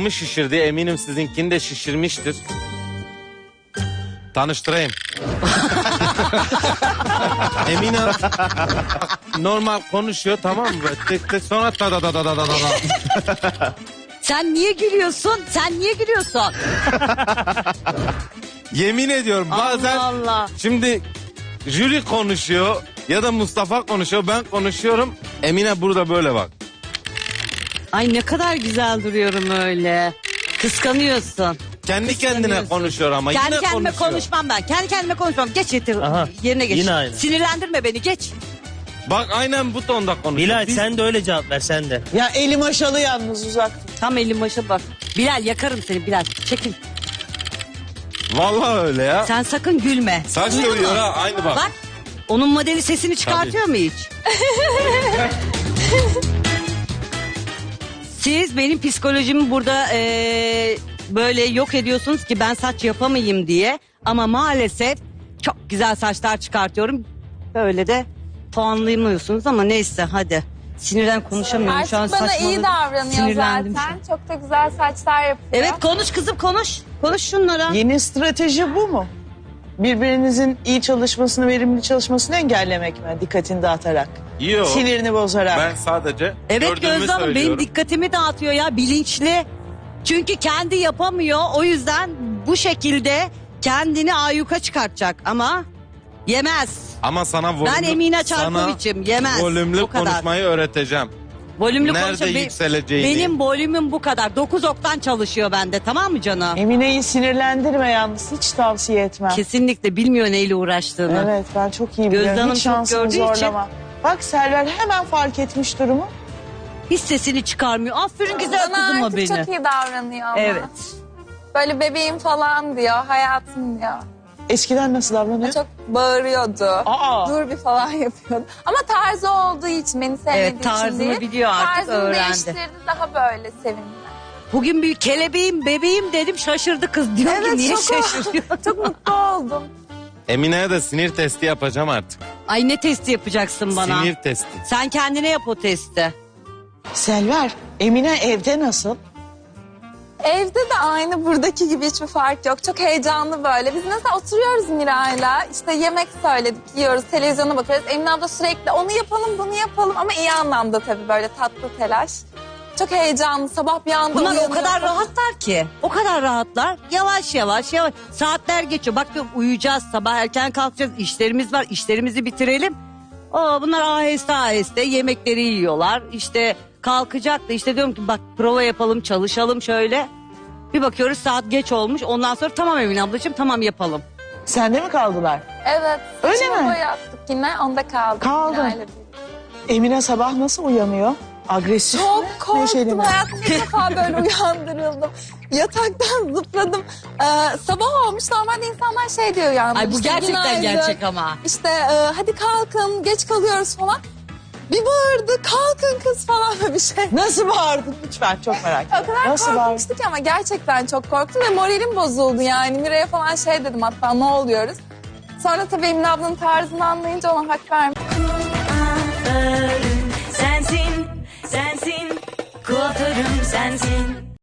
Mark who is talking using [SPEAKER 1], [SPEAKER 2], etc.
[SPEAKER 1] kafamı şişirdi. Eminim sizinkini de şişirmiştir. Tanıştırayım. Emine normal konuşuyor, tamam mı? Tek tek sonra da.
[SPEAKER 2] Sen niye gülüyorsun? Sen niye gülüyorsun?
[SPEAKER 1] Yemin ediyorum bazen
[SPEAKER 2] Allah Allah.
[SPEAKER 1] şimdi jüri konuşuyor ya da Mustafa konuşuyor, ben konuşuyorum. Emine burada böyle bak.
[SPEAKER 2] Ay ne kadar güzel duruyorum öyle. Kıskanıyorsun.
[SPEAKER 1] Kendi kendine konuşuyor ama
[SPEAKER 2] Kendi
[SPEAKER 1] yine
[SPEAKER 2] kendime
[SPEAKER 1] konuşuyor.
[SPEAKER 2] konuşmam ben. Kendi kendime konuşmam. Geç yeter.
[SPEAKER 3] Aha,
[SPEAKER 2] Yerine geç.
[SPEAKER 3] yine aynı.
[SPEAKER 2] Sinirlendirme beni, geç.
[SPEAKER 1] Bak aynen bu tonda konuşuyor.
[SPEAKER 3] Bilal
[SPEAKER 1] Biz-
[SPEAKER 3] sen de öyle cevap ver sen de.
[SPEAKER 4] Ya elim aşalı yalnız uzak.
[SPEAKER 2] Tam elim başa bak. Bilal yakarım seni Bilal. Çekil.
[SPEAKER 1] Vallahi öyle ya.
[SPEAKER 2] Sen sakın gülme.
[SPEAKER 1] Saç
[SPEAKER 2] Duyuyor
[SPEAKER 1] dövüyor
[SPEAKER 2] musun?
[SPEAKER 1] ha, aynı bak.
[SPEAKER 2] Bak. Onun modeli sesini çıkartıyor mu hiç? Siz benim psikolojimi burada böyle yok ediyorsunuz ki ben saç yapamayayım diye. Ama maalesef çok güzel saçlar çıkartıyorum. Böyle de puanlayamıyorsunuz ama neyse hadi. Sinirden konuşamıyorum şu an,
[SPEAKER 5] Artık bana iyi
[SPEAKER 2] saçmaladım.
[SPEAKER 5] davranıyor
[SPEAKER 2] Sinirlendim
[SPEAKER 5] zaten.
[SPEAKER 2] şu an.
[SPEAKER 5] Çok da güzel saçlar yapıyor.
[SPEAKER 2] Evet konuş kızım konuş. Konuş şunlara.
[SPEAKER 4] Yeni strateji bu mu? Birbirinizin iyi çalışmasını, verimli çalışmasını engellemek mi? Dikkatini dağıtarak.
[SPEAKER 1] Yok.
[SPEAKER 4] Sinirini bozarak.
[SPEAKER 1] Ben sadece
[SPEAKER 2] Evet
[SPEAKER 1] gördüğümü
[SPEAKER 2] Gözde Hanım benim
[SPEAKER 1] söylüyorum.
[SPEAKER 2] dikkatimi dağıtıyor ya, bilinçli. Çünkü kendi yapamıyor, o yüzden bu şekilde kendini ayyuka çıkartacak ama yemez.
[SPEAKER 1] Ama sana volümlü,
[SPEAKER 2] Ben Emine Çarkoviç'im, yemez.
[SPEAKER 1] volümlü
[SPEAKER 2] Bu kadar.
[SPEAKER 1] konuşmayı öğreteceğim.
[SPEAKER 2] Volümlü
[SPEAKER 1] Nerede
[SPEAKER 2] konuşuyor.
[SPEAKER 1] yükseleceğini.
[SPEAKER 2] Benim volümüm bu kadar. 9 oktan çalışıyor bende, tamam mı canım?
[SPEAKER 4] Emine'yi sinirlendirme yalnız. Hiç tavsiye etmem.
[SPEAKER 2] Kesinlikle bilmiyor neyle uğraştığını.
[SPEAKER 4] Evet ben çok iyi
[SPEAKER 2] Gözde
[SPEAKER 4] biliyorum.
[SPEAKER 2] Hanım
[SPEAKER 4] Hiç
[SPEAKER 2] çok
[SPEAKER 4] şansını
[SPEAKER 2] gördüğü için-
[SPEAKER 4] zorlama. Bak Selver hemen fark etmiş durumu.
[SPEAKER 2] Hiç sesini çıkarmıyor. Aferin güzel
[SPEAKER 5] Bana
[SPEAKER 2] kızıma
[SPEAKER 5] artık
[SPEAKER 2] beni.
[SPEAKER 5] çok iyi davranıyor ama.
[SPEAKER 2] Evet.
[SPEAKER 5] Böyle bebeğim falan diyor, hayatım diyor.
[SPEAKER 4] Eskiden nasıl davranıyor?
[SPEAKER 5] Çok bağırıyordu.
[SPEAKER 4] Aa.
[SPEAKER 5] Dur bir falan yapıyordu. Ama tarzı olduğu için, beni sevmediği
[SPEAKER 2] Evet,
[SPEAKER 5] için
[SPEAKER 2] tarzını
[SPEAKER 5] değil.
[SPEAKER 2] biliyor artık,
[SPEAKER 5] Tarzını
[SPEAKER 2] öğrendi.
[SPEAKER 5] değiştirdi, daha böyle sevindi.
[SPEAKER 2] Bugün bir kelebeğim, bebeğim dedim, şaşırdı kız. Diyor ki
[SPEAKER 5] Evet,
[SPEAKER 2] niye
[SPEAKER 5] çok-
[SPEAKER 2] şaşırıyor?
[SPEAKER 5] Çok mutlu oldum.
[SPEAKER 1] Emine'ye de sinir testi yapacağım artık.
[SPEAKER 2] Ay ne testi yapacaksın bana?
[SPEAKER 1] Sinir testi.
[SPEAKER 2] Sen kendine yap o testi.
[SPEAKER 4] Selver, Emine evde nasıl?
[SPEAKER 5] Evde de aynı buradaki gibi hiçbir fark yok. Çok heyecanlı böyle. Biz mesela oturuyoruz Miray'la. İşte yemek söyledik, yiyoruz, televizyona bakıyoruz. Emine abla sürekli onu yapalım, bunu yapalım. Ama iyi anlamda tabii, böyle tatlı telaş. Çok heyecanlı. Sabah bir anda
[SPEAKER 2] Bunlar o
[SPEAKER 5] uyanıyor.
[SPEAKER 2] kadar rahatlar ki. O kadar rahatlar. Yavaş yavaş yavaş. Saatler geçiyor. Bak diyorum uyuyacağız, sabah erken kalkacağız. İşlerimiz var, işlerimizi bitirelim. Bunlar aheste aheste yemekleri yiyorlar. İşte kalkacak da işte diyorum ki bak prova yapalım, çalışalım şöyle. Bir bakıyoruz saat geç olmuş. Ondan sonra tamam Emine ablacığım, tamam yapalım.
[SPEAKER 4] Sende mi kaldılar?
[SPEAKER 5] Evet.
[SPEAKER 4] Öyle
[SPEAKER 5] saçımı
[SPEAKER 4] mi?
[SPEAKER 5] boyattık yine. Onda kaldık.
[SPEAKER 4] Kaldı.
[SPEAKER 5] Miray'la birlikte.
[SPEAKER 4] Emine sabah nasıl uyanıyor? Agresif mi?
[SPEAKER 5] Çok
[SPEAKER 4] Neşeli
[SPEAKER 5] korktum.
[SPEAKER 4] mi?
[SPEAKER 5] Hayatımda ilk defa böyle uyandırıldım. Yataktan zıpladım. Sabah olmuş. Normalde insanlar şey diyor yani.
[SPEAKER 2] Ay bu
[SPEAKER 5] işte,
[SPEAKER 2] gerçekten
[SPEAKER 5] günaydın,
[SPEAKER 2] gerçek ama.
[SPEAKER 5] İşte hadi kalkın, geç kalıyoruz falan. Bir bağırdı, kalkın kız falan böyle bir şey.
[SPEAKER 4] Nasıl bağırdın? Lütfen çok merak
[SPEAKER 5] O
[SPEAKER 4] ediyorum.
[SPEAKER 5] kadar
[SPEAKER 4] Nasıl bağırdın?
[SPEAKER 5] korkmuştuk ki ama gerçekten çok korktum ve moralim bozuldu yani. Miray'a falan şey dedim hatta, ne oluyoruz? Sonra tabii Emine ablanın tarzını anlayınca ona hak vermedim.
[SPEAKER 6] Sensin, sensin, kuaförüm sensin.